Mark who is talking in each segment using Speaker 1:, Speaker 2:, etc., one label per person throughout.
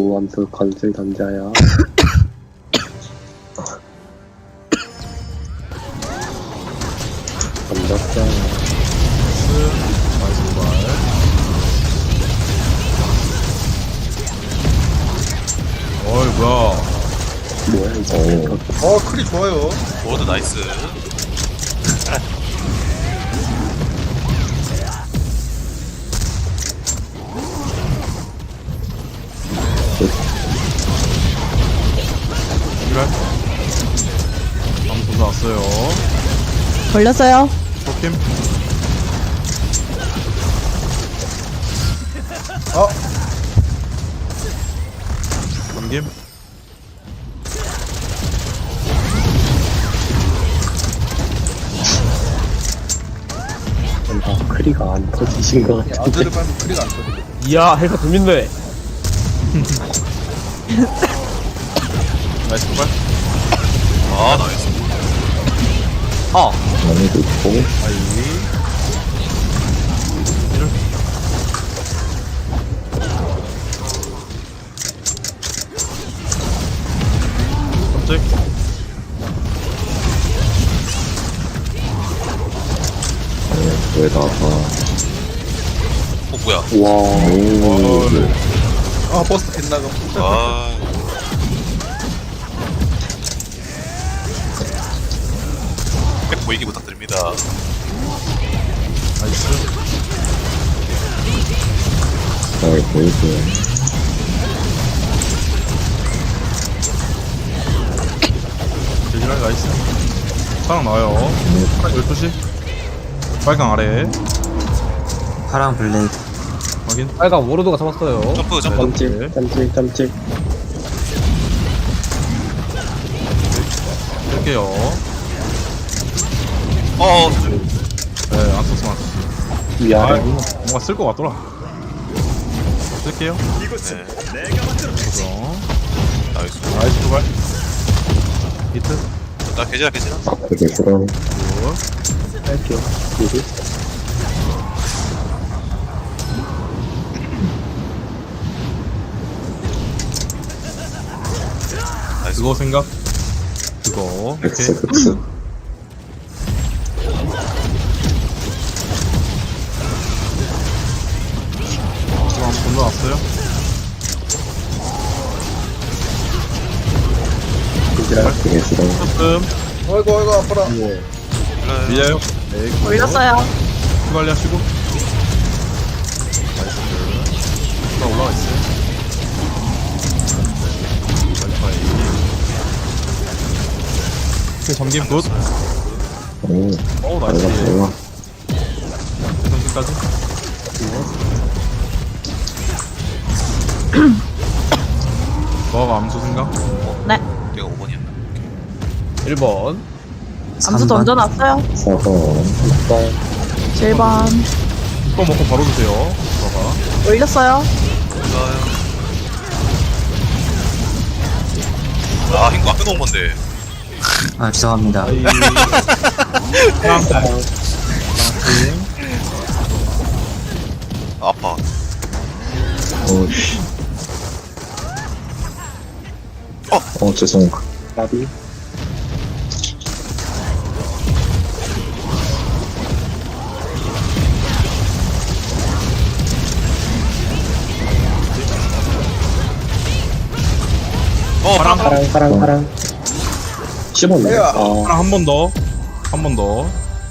Speaker 1: 무함수 건슬 던져요. 던졌어요.
Speaker 2: 나이스 도발. 어이 뭐야.
Speaker 1: 뭐야 이거.
Speaker 3: 크리 좋아요.
Speaker 4: 워드 나이스.
Speaker 2: 이랄. 아무도 나왔어요.
Speaker 5: 걸렸어요.
Speaker 2: 포킴. 넘김.
Speaker 1: 크리가 안 터지신 것 같은데.
Speaker 3: 아들을 빨면 크리가 안 터져.
Speaker 6: 이야 헬카 재밌네.
Speaker 2: 나이스 도발.
Speaker 4: 아 나이스.
Speaker 6: 아
Speaker 1: 너무도 있고.
Speaker 2: 아이. 이럴. 깜짝.
Speaker 1: 왜 나가?
Speaker 4: 뭐야?
Speaker 1: 와.
Speaker 3: 버스 빗나가.
Speaker 4: 아 백 보이기 부탁드립니다.
Speaker 2: 나이스.
Speaker 1: 잘 보이고요.
Speaker 2: 대진할 나이스. 파랑 나와요. 파랑 12시. 빨강 아래.
Speaker 7: 파랑 블레이드.
Speaker 2: 확인.
Speaker 6: 빨간 워로드가 잡았어요.
Speaker 4: 점프 점프.
Speaker 1: 깜찍 깜찍 깜찍.
Speaker 2: 쓸게요. 네, 안 썼으면 안 썼어.
Speaker 1: 위아래.
Speaker 2: 뭔가 쓸 것 같더라. 쓸게요.
Speaker 4: 네.
Speaker 2: 고정.
Speaker 4: 나이스.
Speaker 2: 나이스 도발. 히트.
Speaker 4: 나 계좌 계좌.
Speaker 1: 되게 싫어.
Speaker 2: 굿.
Speaker 1: 할게요. 미리.
Speaker 4: 나이스.
Speaker 2: 그거 생각. 그거. 오케이.
Speaker 1: 엑스.
Speaker 2: 그거 한번 건너왔어요.
Speaker 1: 되게 싫어.
Speaker 2: 조금
Speaker 3: 아이고 아파라.
Speaker 2: 밀려요. 네.
Speaker 5: 걸렸어요.
Speaker 2: 관리하시고. 나이스. 나 올라가 있어요. 와이파이. 오케이, 잠김 굿.
Speaker 1: 오.
Speaker 2: 어우, 나이스.
Speaker 1: 달라.
Speaker 2: 전진까지. 너가 암수 생각?
Speaker 5: 네.
Speaker 4: 내가 5번이었나?
Speaker 6: 1번.
Speaker 5: 암수 던져놨어요.
Speaker 1: 4번. 6번.
Speaker 5: 7번.
Speaker 2: 6번 먹고 바로 드세요. 너가.
Speaker 5: 올렸어요.
Speaker 4: 좋아요. 아 hin거 앞에 놓은 건데.
Speaker 7: 아, 죄송합니다.
Speaker 2: 아이.
Speaker 4: 아파.
Speaker 1: 오씨. 죄송. 나비.
Speaker 4: 파랑.
Speaker 1: 파랑. 15네.
Speaker 3: 야.
Speaker 2: 하나 한 번 더. 한 번 더.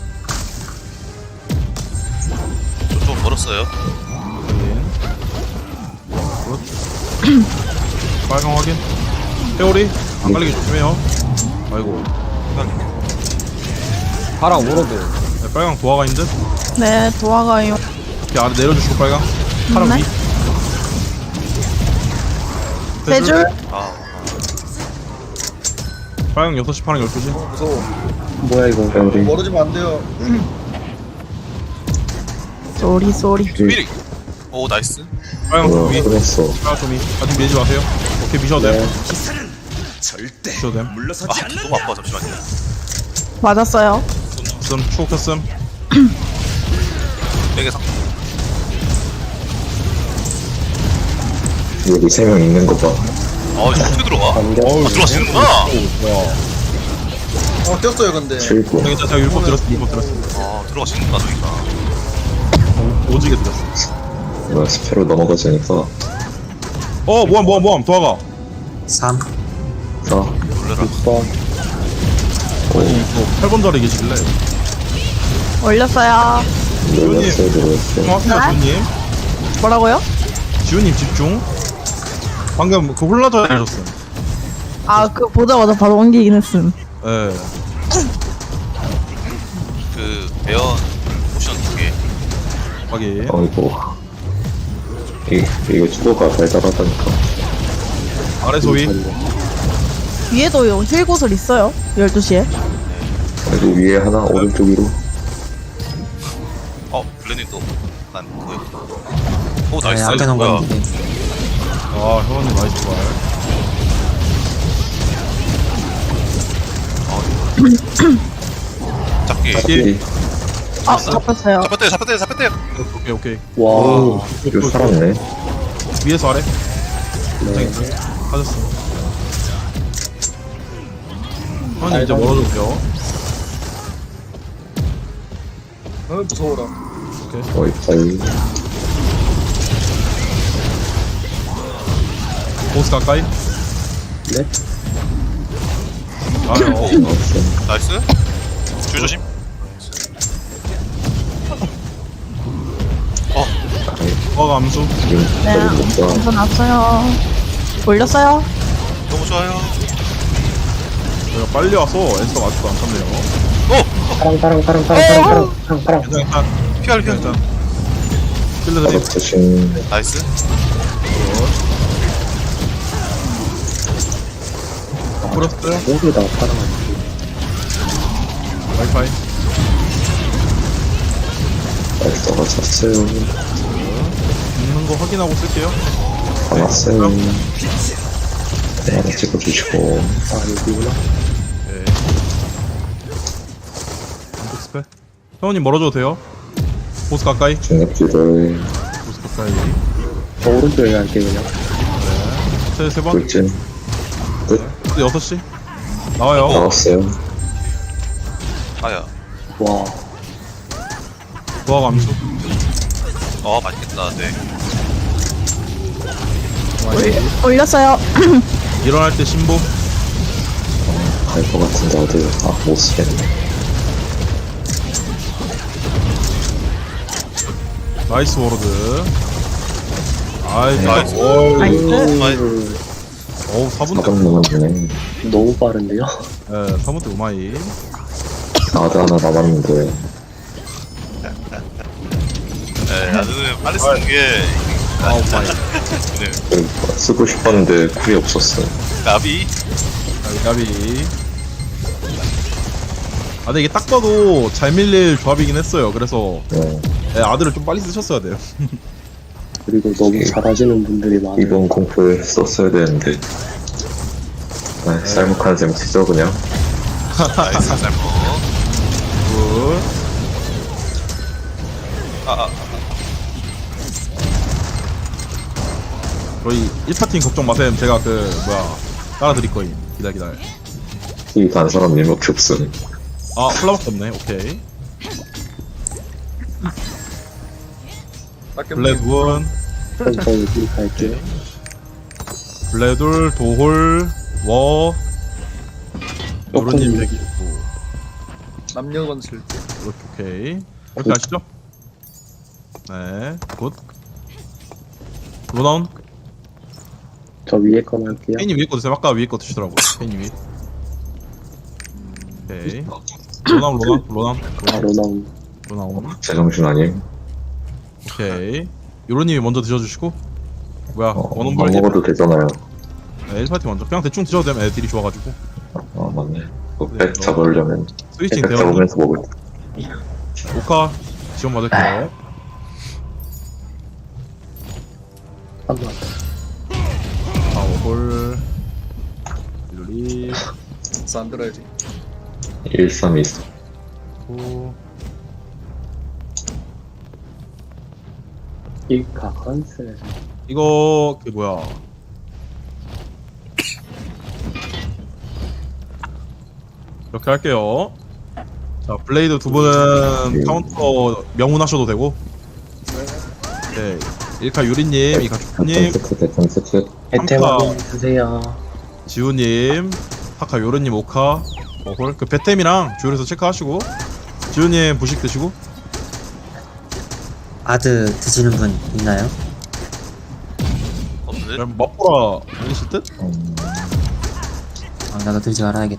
Speaker 4: 좀 멀었어요.
Speaker 2: 확인. 굿. 빨강 확인. 회오리. 안 갈리게 조심해요. 아이고.
Speaker 6: 파랑 워로드.
Speaker 2: 네, 빨강 도화가 있는 듯.
Speaker 5: 네, 도와가요.
Speaker 2: 이렇게 아래 내려주시고 빨강. 파랑
Speaker 5: 네.
Speaker 2: 위.
Speaker 5: 세 줄.
Speaker 4: 아
Speaker 2: 빨강 6시, 파랑 12시.
Speaker 3: 무서워.
Speaker 1: 뭐야 이거. 우리.
Speaker 3: 멀어지면 안 돼요.
Speaker 5: 쏘리.
Speaker 4: 미리. 오 나이스.
Speaker 2: 빨강 좀 위.
Speaker 1: 그랬어.
Speaker 2: 빨강 좀 위. 아직 밀지 마세요. 오케이, 미셔도 돼.
Speaker 1: 네.
Speaker 2: 미셔도 돼.
Speaker 4: 아 너무 아파 잠시만요.
Speaker 5: 맞았어요.
Speaker 2: 씀, 추억했음.
Speaker 4: 되게 상.
Speaker 1: 여기 3명 있는 거 봐.
Speaker 4: 아, 이거 어떻게 들어가? 들어가시는구나!
Speaker 3: 꼈어요 근데.
Speaker 1: 7구.
Speaker 2: 괜찮아, 제가 율법 들었어, 율법 들었어.
Speaker 4: 아, 들어가시는구나, 저기가.
Speaker 2: 오지게 들었어.
Speaker 1: 뭐야, 스페로 넘어가자니까.
Speaker 2: 모함, 도화가.
Speaker 7: 3.
Speaker 1: 4,
Speaker 4: 놀래라.
Speaker 1: 6번.
Speaker 2: 아니, 이거 8번 자리에 계시길래.
Speaker 5: 올렸어요.
Speaker 1: 놀랐어요, 놀랐어요.
Speaker 2: 고맙습니다, 지훈님.
Speaker 5: 뭐라고요?
Speaker 2: 지훈님 집중. 방금 그 홀라저 해줬어.
Speaker 5: 아, 그 보자마자 바로 옮기긴 했음.
Speaker 2: 예.
Speaker 4: 그, 배연 포션 2개.
Speaker 2: 확인.
Speaker 1: 어이구. 이거 주도가 달달하다니까.
Speaker 2: 아래 소위.
Speaker 5: 위에도 힐 구슬 있어요. 12시에.
Speaker 1: 그리고 위에 하나, 오른쪽 위로.
Speaker 4: 블레님도 난 그거였구나. 오,
Speaker 7: 네,
Speaker 4: 나이스.
Speaker 7: 아껴놓은
Speaker 4: 뭐야.
Speaker 7: 건데.
Speaker 2: 아, 형님 나이스 발.
Speaker 4: 잡기.
Speaker 1: 잡기.
Speaker 5: 아, 잡혔어요.
Speaker 4: 잡혔대.
Speaker 2: 오케이.
Speaker 1: 와, 이거 살았네.
Speaker 2: 위에서 아래. 네. 빠졌어. 형님 이제 멀어졌죠.
Speaker 3: 무서워라.
Speaker 1: 어이, 빨리.
Speaker 2: 보스 가까이.
Speaker 1: 네?
Speaker 2: 아래.
Speaker 1: 나왔어.
Speaker 4: 나이스. 줄 조심.
Speaker 2: 도화가 암수.
Speaker 1: 지금
Speaker 5: 네,
Speaker 1: 빨리 먹자.
Speaker 5: 점수 났어요. 올렸어요.
Speaker 4: 너무 좋아요.
Speaker 2: 내가 빨리 와서 엔스가 아직도 안 탔네요.
Speaker 1: 파랑.
Speaker 2: 괜찮아.
Speaker 4: 피할.
Speaker 2: 괜찮아. 킬러들이
Speaker 1: 조심.
Speaker 4: 나이스.
Speaker 2: 풀었어요.
Speaker 1: 모두다 파랑.
Speaker 2: 와이파이.
Speaker 1: 나이스가 찼어요.
Speaker 2: 있는 거 확인하고 쓸게요.
Speaker 1: 다 왔어요. 네, 하나 찍어주시고. 아, 여기구나.
Speaker 2: 네. 안쪽 스펠. 형님 멀어져도 돼요. 보스 가까이.
Speaker 1: 중력기를
Speaker 2: 보스 가까이.
Speaker 1: 오른쪽에 갈게요, 그냥.
Speaker 2: 네. 세 번.
Speaker 1: 돌진. 끝.
Speaker 2: 6시. 나와요.
Speaker 1: 나왔어요.
Speaker 4: 아야.
Speaker 1: 와.
Speaker 2: 도화가 암수.
Speaker 4: 맛있겠다. 네.
Speaker 5: 올렸어요.
Speaker 2: 일어날 때 신보.
Speaker 1: 갈 것 같은데, 어디, 못 쓰겠네.
Speaker 2: 나이스 워로드. 아이,
Speaker 4: 나이스.
Speaker 5: 나이스.
Speaker 2: 어우, 4분 때.
Speaker 1: 4번 남았네.
Speaker 8: 너무 빠른데요?
Speaker 2: 예, 4분 때 우마이.
Speaker 1: 나도 하나 남았는데.
Speaker 4: 네, 나는 빨리 쓰는 게.
Speaker 2: 아, 우마이.
Speaker 4: 네.
Speaker 1: 쓰고 싶었는데, 쿨이 없었어.
Speaker 4: 나비.
Speaker 2: 가비. 아, 근데 이게 딱 봐도 잘 밀릴 조합이긴 했어요. 그래서,
Speaker 1: 네.
Speaker 2: 예, 아들을 좀 빨리 쓰셨어야 돼요.
Speaker 8: 그리고 너무 잘하시는 분들이 많아요.
Speaker 1: 이번 공포에 썼어야 되는데. 아, 쌀먹하는 셈 치죠, 그냥.
Speaker 4: 나이스. 살모.
Speaker 2: 굿. 저희 1파팀 걱정 마셈. 제가 따라드릴 거임. 기다려.
Speaker 1: 이 간 사람 일목이 없음.
Speaker 2: 아, 콜라밖에 없네. 오케이. 블레드원,
Speaker 8: 천천히 클릭할게요.
Speaker 2: 블레둘, 도홀, 워, 요런님 얘기.
Speaker 3: 남녀 건슬.
Speaker 2: 이렇게 오케이. 이렇게 아시죠? 네, 굿. 로나운,
Speaker 8: 저 위에 거 할게요.
Speaker 2: 페이님 위에 거 드세요. 아까 위에 거 드시더라고요. 페이님 위. 오케이. 로나운.
Speaker 1: 제정신 아님?
Speaker 2: 오케이. 요런님이 먼저 드셔주시고. 뭐야,
Speaker 1: 안
Speaker 2: 원원벌
Speaker 1: 먹어도 되잖아요.
Speaker 2: 네, 1파티 먼저. 그냥 대충 드셔도 되면 애들이 좋아가지고.
Speaker 1: 맞네. 백 잡으려면
Speaker 2: 스위칭
Speaker 1: 백
Speaker 2: 되어.
Speaker 1: 잡으면서 먹을
Speaker 2: 오카 지원 받을게요.
Speaker 8: 한번
Speaker 2: 파워볼. 릴리.
Speaker 3: 안 들어야지.
Speaker 1: 1, 3, 2, 4.
Speaker 8: 이카 컨셉.
Speaker 2: 이거 뭐야 이렇게 할게요. 자, 블레이드 두 분은 카운터 명운하셔도 되고. 네. 일카 유리님, 이카 초코님,
Speaker 1: 세트 대전 세트.
Speaker 8: 혜택 확인 주세요.
Speaker 2: 지우님, 타카 요르님, 오카, 홀. 그 배템이랑 주얼에서 체크하시고. 지우님 부식 드시고.
Speaker 7: 아드 드시는 분 있나요?
Speaker 4: 없는데?
Speaker 2: 그럼 맛보라 아니실 듯?
Speaker 7: 나도 들지 말아야겠다.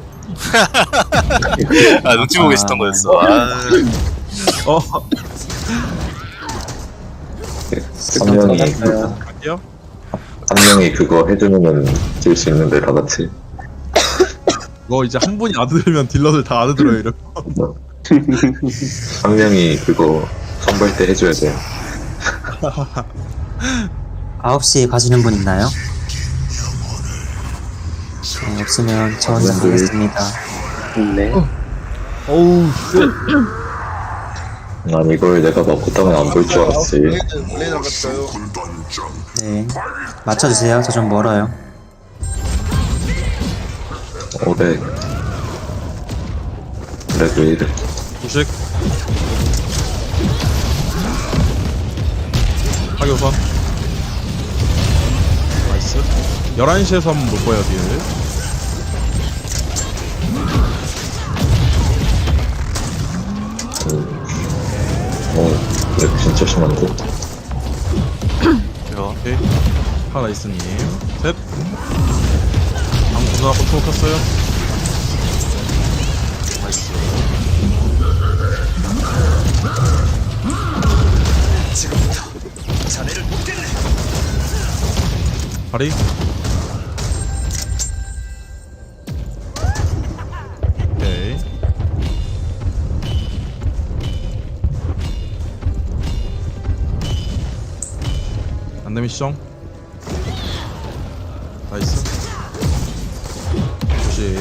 Speaker 4: 아 눈치 보고 계셨던 거였어. 아,
Speaker 2: 어,
Speaker 1: 한 명이
Speaker 8: 받았어요.
Speaker 2: 갈게요.
Speaker 1: 한 명이 그거 해주면은 질 수 있는데 다 같이.
Speaker 2: 이거 이제 한 분이 아드 들면 딜러들 다 아드 들어요, 이러면.
Speaker 1: 한 명이 그거 선발 때 해줘야 돼요.
Speaker 7: 9시에 가시는 분 있나요? 네, 없으면 저 혼자 가겠습니다.
Speaker 8: 네.
Speaker 6: 어우, 쉣.
Speaker 1: 난 이걸 내가 먹고 따면 안 볼 줄 알았지.
Speaker 3: 블레이드 갈까요?
Speaker 7: 네. 맞춰주세요. 저 좀 멀어요.
Speaker 1: 500. 그래도 이래.
Speaker 2: 부식. 하교선. 나이스. 11시에서 한번 볼 거예요, 딜.
Speaker 1: 이거 진짜 심한데?
Speaker 4: 이거
Speaker 2: 오케이. 하나이스님. 셋. 방 누나 컨트롤 켰어요. 나이스. 다리. 오케이. 안되면 시정. 나이스. 조식.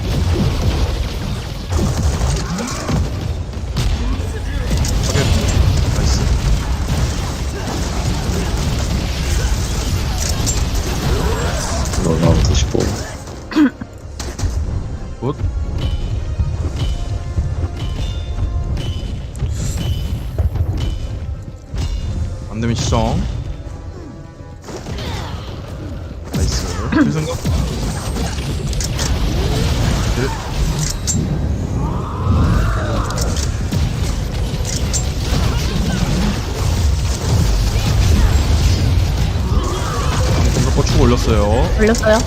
Speaker 2: 확인. 나이스.
Speaker 1: 너나 95.
Speaker 2: 굿. 안되면 시정. 나이스. 필승급. 방금 고추 올렸어요.
Speaker 5: 올렸어요.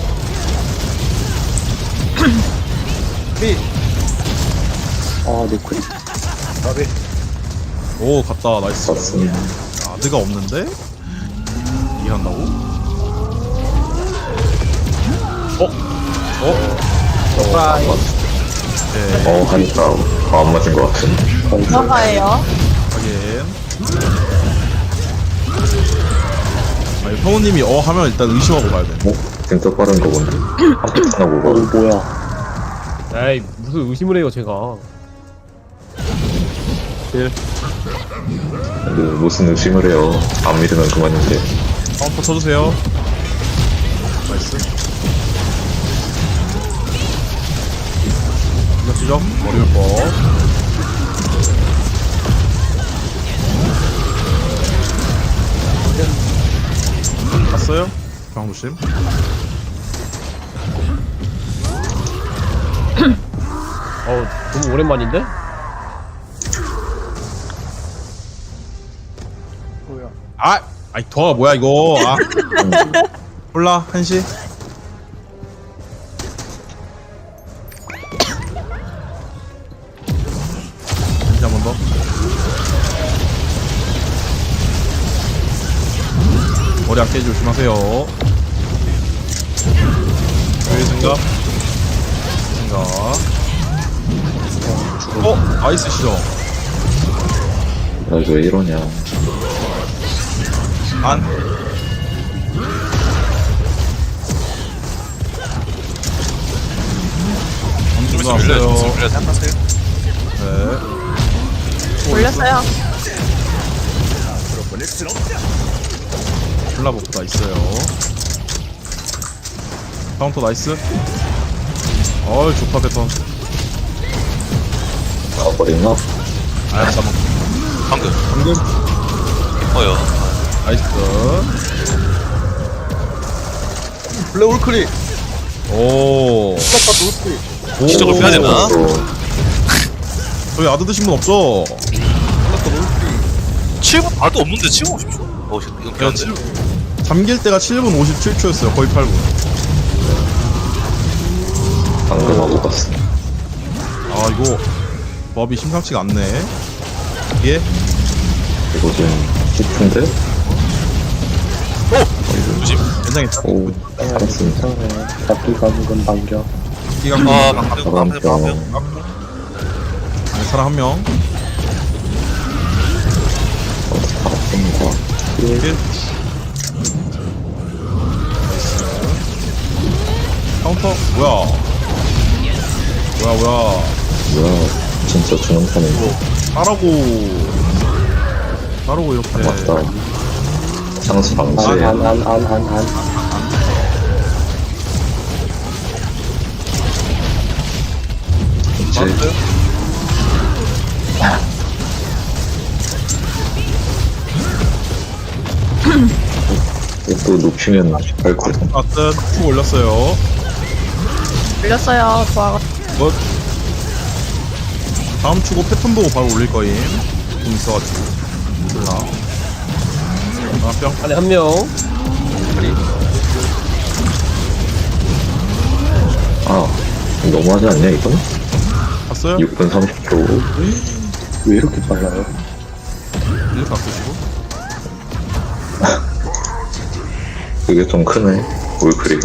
Speaker 8: 아, 네크리.
Speaker 3: 나비.
Speaker 2: 오, 갔다. 나이스.
Speaker 1: 맞습니다.
Speaker 2: 아드가 없는데? 이해한다고?
Speaker 6: 프라이.
Speaker 2: 네,
Speaker 1: 하니까 안 맞은 것 같은데.
Speaker 5: 들어가예요.
Speaker 2: 확인. 아니, 성우님이 하면 일단 의심하고 가야 돼.
Speaker 1: 진짜 빠른 거 본데. 한패 타나고
Speaker 8: 어,
Speaker 1: 가.
Speaker 8: 뭐야.
Speaker 6: 에이, 무슨 의심을 해요, 제가.
Speaker 1: 무슨 의심을 해요. 안 믿으면 그만인데.
Speaker 2: 카운터 쳐주세요. 나이스. 이거 지적? 머리 올 거. 갔어요? 방조심.
Speaker 6: 어우, 너무 오랜만인데?
Speaker 3: 뭐야?
Speaker 2: 아이, 더가 뭐야, 이거. 콜라, 1시. 한시 한 번 더. 머리 안 깨지 조심하세요. 여기 생각. 나이스 시죠.
Speaker 1: 나 이거 왜 이러냐.
Speaker 2: 안.
Speaker 4: 좀
Speaker 2: 엄청
Speaker 4: 있으면
Speaker 2: 나왔어요.
Speaker 4: 생각하세요.
Speaker 2: 네.
Speaker 5: 올렸어요.
Speaker 2: 콜라복도 있어요. 카운터 나이스. 어이, 좋다, 패턴.
Speaker 1: 가버렸나?
Speaker 2: 아 잠깐만.
Speaker 4: 방금.
Speaker 2: 방금
Speaker 4: 어여.
Speaker 2: 나이스.
Speaker 3: 블랙 올크리.
Speaker 2: 오.
Speaker 3: 플라카드 올크리.
Speaker 4: 기적을 빼야 되나?
Speaker 2: 저기 아드 드신 분 없죠?
Speaker 3: 플라카드 올크리.
Speaker 4: 7분 봐도 없는데 7분 50초? 어, 이건
Speaker 2: 그냥
Speaker 4: 피한데?
Speaker 2: 잠길 때가 7분 57초였어요. 거의 8분.
Speaker 1: 방금 하고 갔어.
Speaker 2: 아 이거 법이 심상치가 않네. 이게
Speaker 1: 이거 좀 깊은데?
Speaker 4: 조심.
Speaker 2: 굉장히
Speaker 1: 오, 알았습니다.
Speaker 8: 잡기 감금 반격.
Speaker 2: 기간
Speaker 4: 아, 방금.
Speaker 1: 가방병.
Speaker 2: 사람 한 명.
Speaker 1: 가방병과
Speaker 2: 이게 카운터 뭐야? 뭐야?
Speaker 1: 뭐야, 진짜 주능판인데.
Speaker 2: 따라고 이렇게.
Speaker 1: 맞다. 장수 방지에
Speaker 8: 안.
Speaker 1: 이제
Speaker 2: 맞았어요?
Speaker 1: 또 높이면 밟거든.
Speaker 2: 아뜬 쭉 올렸어요.
Speaker 5: 올렸어요. 좋아.
Speaker 2: 뭐 다음 추고 패턴 보고 바로 올릴 거임. 좀 있어가지고 몰라. 아 뿅.
Speaker 6: 안에 한 명.
Speaker 1: 아, 너무하지 않냐, 이건?
Speaker 2: 봤어요?
Speaker 1: 6분 30초.
Speaker 8: 왜 이렇게 빨라요?
Speaker 2: 이렇게 바꾸시고.
Speaker 1: 그게 좀 크네, 올크리가.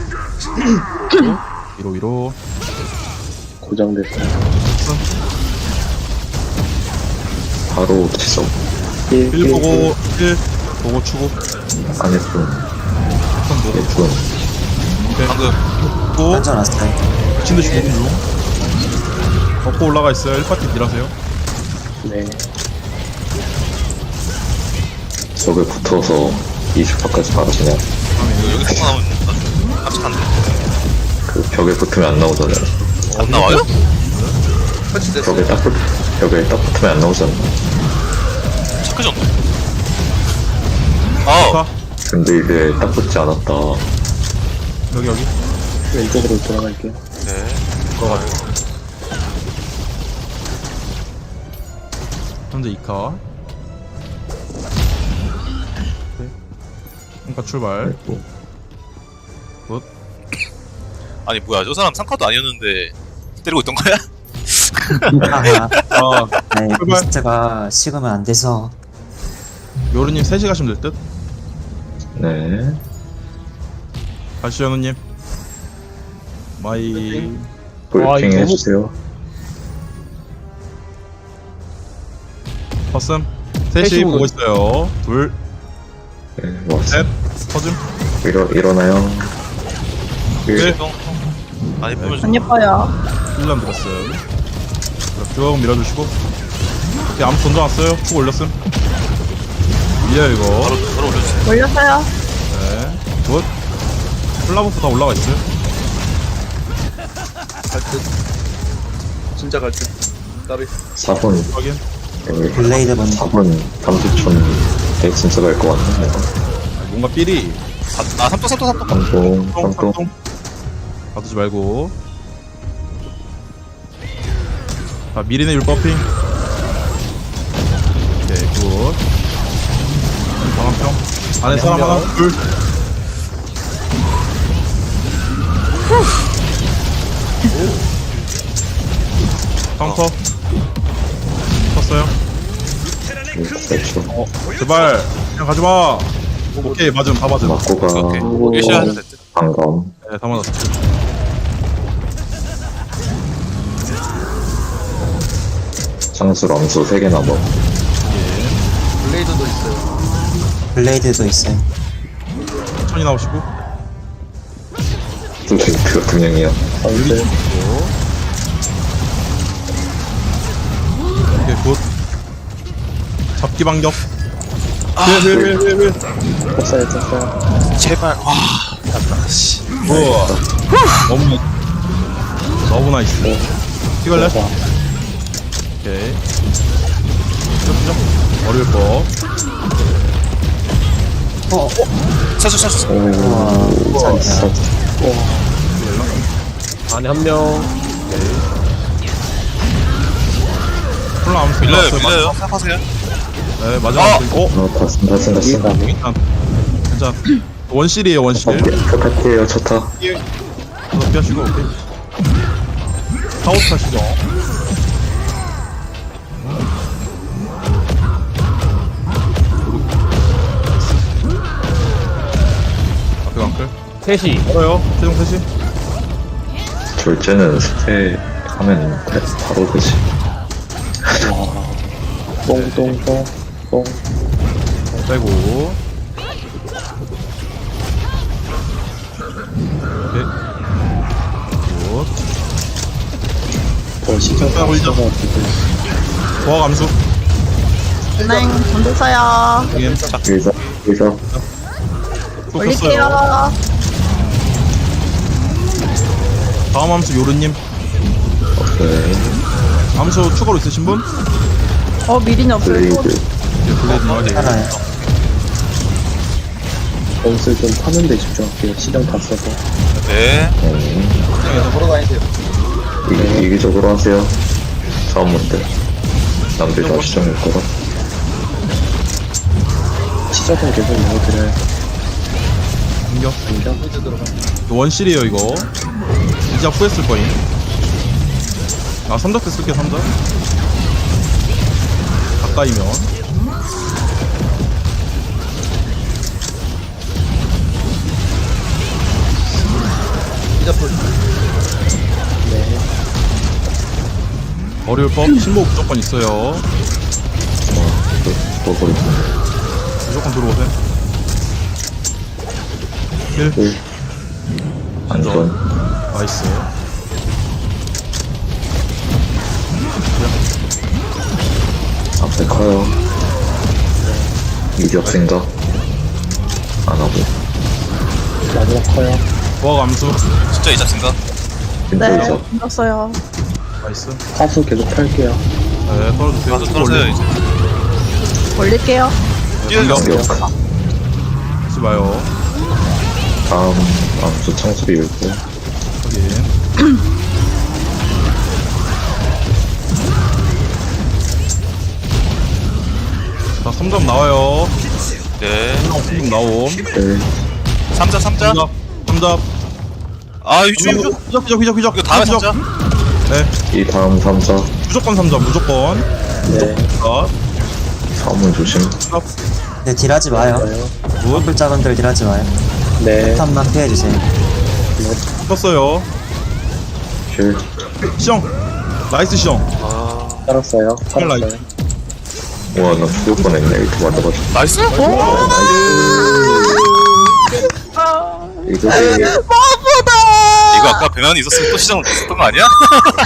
Speaker 2: 위로.
Speaker 8: 고정됐어요.
Speaker 1: 바로 지속.
Speaker 2: 1 보고 1 보고 추고.
Speaker 1: 안 예쁜.
Speaker 2: 패턴 보고
Speaker 1: 예쁜.
Speaker 4: 방금.
Speaker 2: 고
Speaker 7: 던져놨어요.
Speaker 2: 미친 듯이 보는 중. 덮고 올라가 있어요. 1파티 딜하세요.
Speaker 8: 네.
Speaker 1: 저게 붙어서 20파까지 바로 그냥
Speaker 4: 여기 턱 나오면 깜짝한데.
Speaker 1: 그 벽에 붙으면 안 나오잖아요.
Speaker 4: 안 나와요?
Speaker 3: 설치됐어.
Speaker 1: 벽에 딱 붙으면 안 나오잖아.
Speaker 4: 체크전. 아,
Speaker 2: 자,
Speaker 1: 근데 이제 딱 붙지 않았다.
Speaker 2: 여기.
Speaker 8: 왼쪽으로 돌아갈게요.
Speaker 4: 네.
Speaker 2: 현재 2카. 그러니까 출발.
Speaker 4: 아니, 뭐야. 저 사람 상카도 아니었는데 때리고 있던 거야?
Speaker 7: 하하.
Speaker 2: 아,
Speaker 7: 네,
Speaker 2: 출발.
Speaker 7: 리스트가 식으면 안 돼서.
Speaker 2: 요르님 3시 가시면 될 듯.
Speaker 1: 네.
Speaker 2: 가시죠, 연우님. 마이.
Speaker 1: 브리핑
Speaker 6: 이거
Speaker 1: 해주세요.
Speaker 2: 퍼슨. 3시 보고 있어요. 둘,
Speaker 1: 네, 뭐,
Speaker 2: 셋, 퍼즘.
Speaker 1: 일어나요.
Speaker 2: 네.
Speaker 4: 형. 아니, 보면
Speaker 5: 안 예뻐요.
Speaker 2: 1년 들었어요. 자, 쭉 밀어주시고. 오케이, 암 던져놨어요. 쭉 올렸음. 밀려, 이거.
Speaker 4: 바로 올려주세요.
Speaker 5: 올렸어요.
Speaker 2: 네. 굿. 플라버프 다 올라가 있어요.
Speaker 3: 갈 듯. 진짜 갈 듯. 나비.
Speaker 1: 4분,
Speaker 2: 확인.
Speaker 7: 블레이드 먼저.
Speaker 1: 4분 30초 에 진짜 갈 것 같네.
Speaker 2: 뭔가 삘이.
Speaker 4: 아, 삼동.
Speaker 2: 똥. 가두지 말고. 자, 미리네 율버핑. 오케이, 굿. 방한평. 안에 사람 하나, 둘. 카운터. 쳤어요.
Speaker 1: 그렇죠.
Speaker 2: 제발, 그냥 가지마. 오케이, 맞음, 다 맞음.
Speaker 1: 맞고 가.
Speaker 4: 오케이. 일시에 하셔도 됐대.
Speaker 1: 방금.
Speaker 2: 네, 다 맞았어.
Speaker 1: 창수 람수 3개 남아.
Speaker 3: 블레이드도 있어요.
Speaker 7: 블레이드도 있어요.
Speaker 2: 천천히 나오시고.
Speaker 1: 블레이드가 2명이야.
Speaker 8: 가운데.
Speaker 2: 오케이, 굿. 잡기 반격. 왜.
Speaker 8: 쳤어요.
Speaker 4: 제발. 와. 맞다. 씨.
Speaker 2: 우와. 너무 나이스. 찍을래? 오케이. 쭉. 어려울 거.
Speaker 4: 샷.
Speaker 1: 오, 잘했어.
Speaker 6: 안에 한 명.
Speaker 2: 콜라 암수
Speaker 4: 밀려요. 생각하세요.
Speaker 2: 네, 마지막.
Speaker 1: 봤음.
Speaker 2: 괜찮아. 원실이에요, 원실.
Speaker 1: 차 탈게요, 차 타.
Speaker 2: 그거 피하시고, 오케이. 타워 타시죠. 앞에 강클.
Speaker 6: 셋이.
Speaker 2: 멀어요. 최종 셋이.
Speaker 1: 졸제는 스테 하면 바로 되지.
Speaker 8: 똥똥똥 똥.
Speaker 2: 빼고. 오케이. 굿.
Speaker 8: 시청 다
Speaker 2: 올려.
Speaker 8: 있어가지고
Speaker 2: 보아 감수.
Speaker 5: 네, 던졌어요.
Speaker 2: 확인.
Speaker 1: 여기서.
Speaker 2: 또
Speaker 5: 올릴게요.
Speaker 2: 켰어요. 다음 함수 요르님.
Speaker 1: 오케이.
Speaker 2: 함수 추가로 있으신 분?
Speaker 5: 미린이 없어요.
Speaker 1: 블레이드.
Speaker 2: 네, 블레이드 나와야 돼요.
Speaker 7: 살아요.
Speaker 8: 연습 좀 타는데 집중할게요. 시정 다 써서.
Speaker 4: 네.
Speaker 1: 이기적으로 하세요. 싸움문들. 남들 다 시정일 거라.
Speaker 8: 시작은 계속 넣어드려요.
Speaker 2: 공격.
Speaker 8: 공격.
Speaker 2: 원실이에요 이거. 이제 후에 쓸 거임. 아 3작 때 쓸게요 3작. 가까이면.
Speaker 8: 네.
Speaker 2: 어려울 법 신목 무조건 있어요.
Speaker 1: 또 버리고.
Speaker 2: 무조건 들어오세요. 1.
Speaker 1: 안전.
Speaker 2: 나이스.
Speaker 1: 앞에 커요. 이적 생각. 안 하고.
Speaker 8: 마지막 커요.
Speaker 2: 보아 감수.
Speaker 4: 진짜 이자 생각.
Speaker 1: 진짜
Speaker 5: 네,
Speaker 1: 이적.
Speaker 5: 던졌어요.
Speaker 2: 나이스.
Speaker 8: 파수 계속 팔게요.
Speaker 2: 네 떨어주세요.
Speaker 4: 가서 떨어져요 이제.
Speaker 5: 올릴게요.
Speaker 4: 뛰어요.
Speaker 1: 공격.
Speaker 2: 하지 마요.
Speaker 1: 다음 암수 창수비 읽고.
Speaker 2: 확인. 자 3점 나와요.
Speaker 4: 네.
Speaker 2: 3점 나옴.
Speaker 1: 네.
Speaker 4: 3자.
Speaker 2: 3점. 3점.
Speaker 4: 아 휴주.
Speaker 2: 휘적.
Speaker 4: 이거 다음에 3자.
Speaker 2: 네.
Speaker 1: 이 다음 3자.
Speaker 2: 무조건 3점 무조건.
Speaker 8: 네.
Speaker 2: 자,
Speaker 1: 사문 조심.
Speaker 7: 네, 딜하지 마요.
Speaker 2: 굿.
Speaker 7: 뿔작은들 딜하지 마요.
Speaker 8: 네.
Speaker 7: 폭탄만 피해주세요.
Speaker 2: 떴어요.
Speaker 1: 킬.
Speaker 2: 시정. 나이스 시정.
Speaker 8: 살았어요.
Speaker 2: 라이트.
Speaker 8: 살았어요.
Speaker 1: 와, 나 죽을 뻔했네. 이렇게 맞아가지고.
Speaker 4: 나이스.
Speaker 1: 이거
Speaker 4: 이거 아까 배난이 있었으면 또 시장 있었던 거 아니야?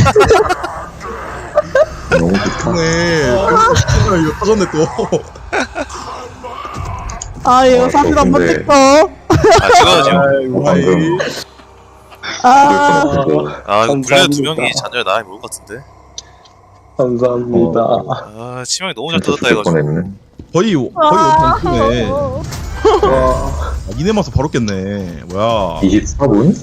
Speaker 1: 너무 좋다.
Speaker 2: 네. 이거 터졌네 또.
Speaker 5: 이거 사진 한번
Speaker 1: 근데-
Speaker 5: 찍고.
Speaker 4: 아 찍어야지.
Speaker 1: 방금
Speaker 4: 아
Speaker 8: 감사합니다.
Speaker 4: 블레드 2명이 잔열 나이 모를 것 같은데.
Speaker 8: 감사합니다.
Speaker 4: 아 치명이 너무 잘
Speaker 1: 진짜
Speaker 4: 뜯었다
Speaker 1: 죽을
Speaker 4: 이거.
Speaker 1: 뻔했네.
Speaker 2: 거의 5네.
Speaker 8: 와.
Speaker 2: 이네 마서 바로 깼네. 뭐야?
Speaker 1: 24분?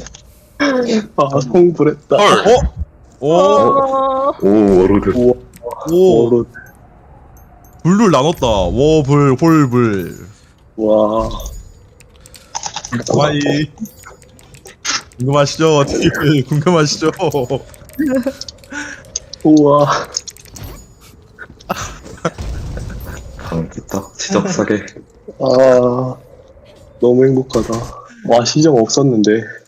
Speaker 8: 성불했다.
Speaker 4: 헐.
Speaker 2: 오.
Speaker 1: 오, 워로드.
Speaker 2: 오.
Speaker 8: 오로.
Speaker 2: 불을 나눴다. 워불 홀불.
Speaker 8: 와.
Speaker 2: 와이. 궁금하시죠? 어떻게 궁금하시죠?
Speaker 8: 우와.
Speaker 1: 강했다. 지적 사게.
Speaker 8: 아. 너무 행복하다. 와, 시정 없었는데.